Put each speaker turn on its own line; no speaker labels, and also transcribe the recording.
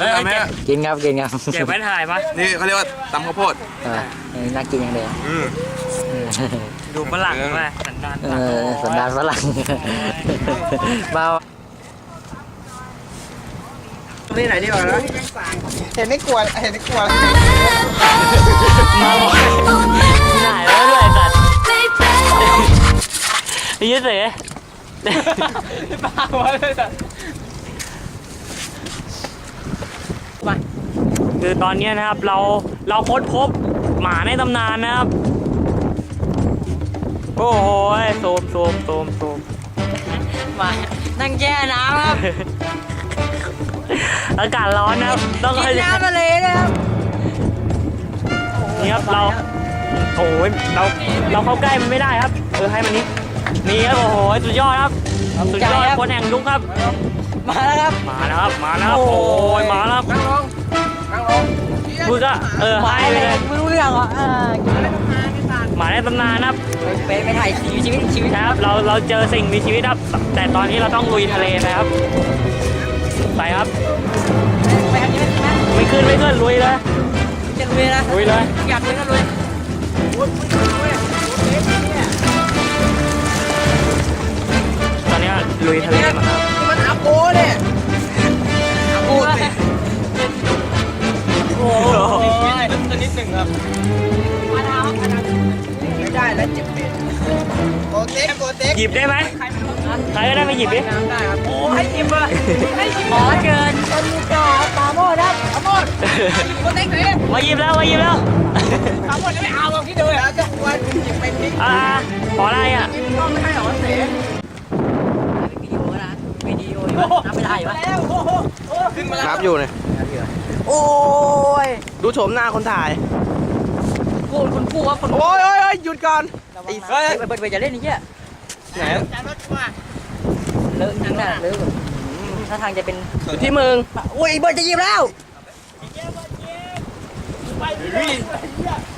ทำไหม
กินครับกินครับ
เก็บไว้ถ่ายปะ
นี่เขาเรียกว่าตำข้าวโพด
น่ากินอย่างเดียว
ดูฝรั่งมาสันดาน
สันดานฝรั่งเบา
นี่ไหนดีกว่านะเห็นไม่กลัว
ถ่ายแล้วด้วยสัตว์ยืดเสียบ้าวะเลยสัตว์คือตอนนี้นะครับเราค้นพบหมาในตำนานนะครับโอ้โหโซมมานั่งแช่น้ำครับอากาศร้อนนะครับต้องกินน้ำทะเลนะครับนี่ครับเราโอ้ยเราเข้าใกล้มันไม่ได้ครับให้มันนี่ครับโอ้โหสุดยอดครับสุดยอดคนแห่งยุคครับมาแล้วครับโอ้ยมาแล้วนั่งลงพูดก็ให้ไปเลยไม่รู้เรื่องอ่ะหมาในตำนานครับไปถ่ายชีวิตครับเราเจอสิ่งมีชีวิตครับแต่ตอนนี้เราต้องลุยทะเลนะครับไปครับไม่ขึ้นลุยเลยจะลุยนะลุยเลยอยากลุยก็ลุยตอนนี้ลุยทะเลมาครับ
มันอาโปเนี่ยอาโปสิโอ้ยนิดหนึ่งครับไม่ได้แล้วเจ็บเป็นโกเต็ก
หยิบได้ไหมใครก็ได้มาหยิบดิ
ได้ครับโอ้ให้หยิบเลย
หมอเกิน
ต้นกาปาโมดครับปาโมดโกเต็กไหน
มาหยิบแล้ว
ปาโมดไม่เอาหรอกที่เดินแล้วจะวันหยิบไปทิ้ง
ขออะไรอ่ะ
ต้องไม่ให้หรอเสีย
วิดีโอนับไม่ได้ปะ
นับอยู่เนี่ยโอ้ยดูโฉมหน้าคนถ่าย
คุณครูครับ
โอ้ยหยุดก่อน
เปิดจะเล่นนี่เหี้ย
ไหน
เลอะจริงน่ะเลอะถ้าทางจะเป็น
อยู่ที่มึง
โอ้ยเบิร์ดจะยิบแล้ว